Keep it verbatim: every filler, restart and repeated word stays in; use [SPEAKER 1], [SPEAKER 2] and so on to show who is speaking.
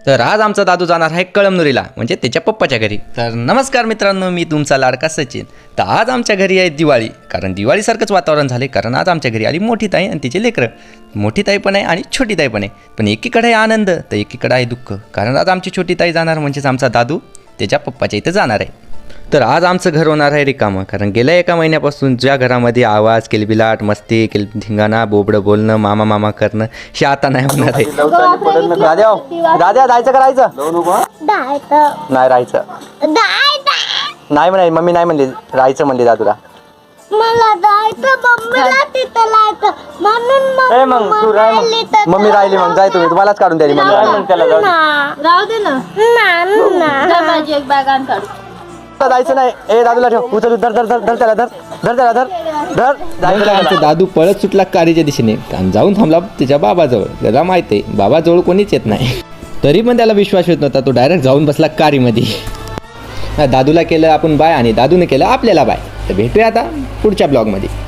[SPEAKER 1] तर आज आमचा दादू जाणार आहे कळमनुरीला, म्हणजे त्याच्या पप्पाच्या घरी. तर नमस्कार मित्रांनो, मी तुमचा लाडका सचिन. तर आज आमच्या घरी आहे दिवाळी, कारण दिवाळीसारखंच वातावरण झाले. कारण आज आमच्या घरी आली मोठी ताई आणि तिचे लेकरं. मोठी ताई पण आहे आणि छोटी ताई पण आहे. पण एकीकडे आहे आनंद तर एकीकडे आहे दुःख, कारण आज आमची छोटी ताई जाणार, म्हणजेच आमचा दादू त्याच्या पप्पाच्या इथं जाणार आहे. तर आज आमचं घर होणार आहे रिकामं, कारण गेल्या एका महिन्यापासून ज्या घरामध्ये आवाज, किलबिलाट, मस्ती, किल धिंगाणा, बोबडं बोलणं, मामा मामा करणं, हे आता नाही होणार आहे. दाद्या दाद्या जायचं का राहायचं? नाही राहायचं नाही म्हणाय, मम्मी नाही म्हणली, राहायचं म्हणली दादूला.
[SPEAKER 2] मला जायचं मम्मीला तिथं लायचं म्हणून
[SPEAKER 1] ए मग तू राह, मग मम्मी राहिली, मग जाय तुम्ही, तुम्हालाच काढून द्याली मम्मी. त्याला जाऊ
[SPEAKER 2] राहू दे ना, माझी एक बॅग आण काढू.
[SPEAKER 1] जायचं नाही. ए दादूला ठेव, उचल, धर धर धर धर त्याला, धर धर त्याला, धर धर जायचं. आमचा दादू पळत सुटला कारीच्या दिशेने आणि जाऊन थांबला त्याच्या बाबाजवळ. त्याला माहित आहे बाबाजवळ कोणीच येत नाही, तरी पण त्याला विश्वास येत नव्हता. तो डायरेक्ट जाऊन बसला कारीमध्ये. दादूला केलं आपण बाय आणि दादूने केलं आपल्याला बाय. तर भेटूया आता पुढच्या ब्लॉगमध्ये.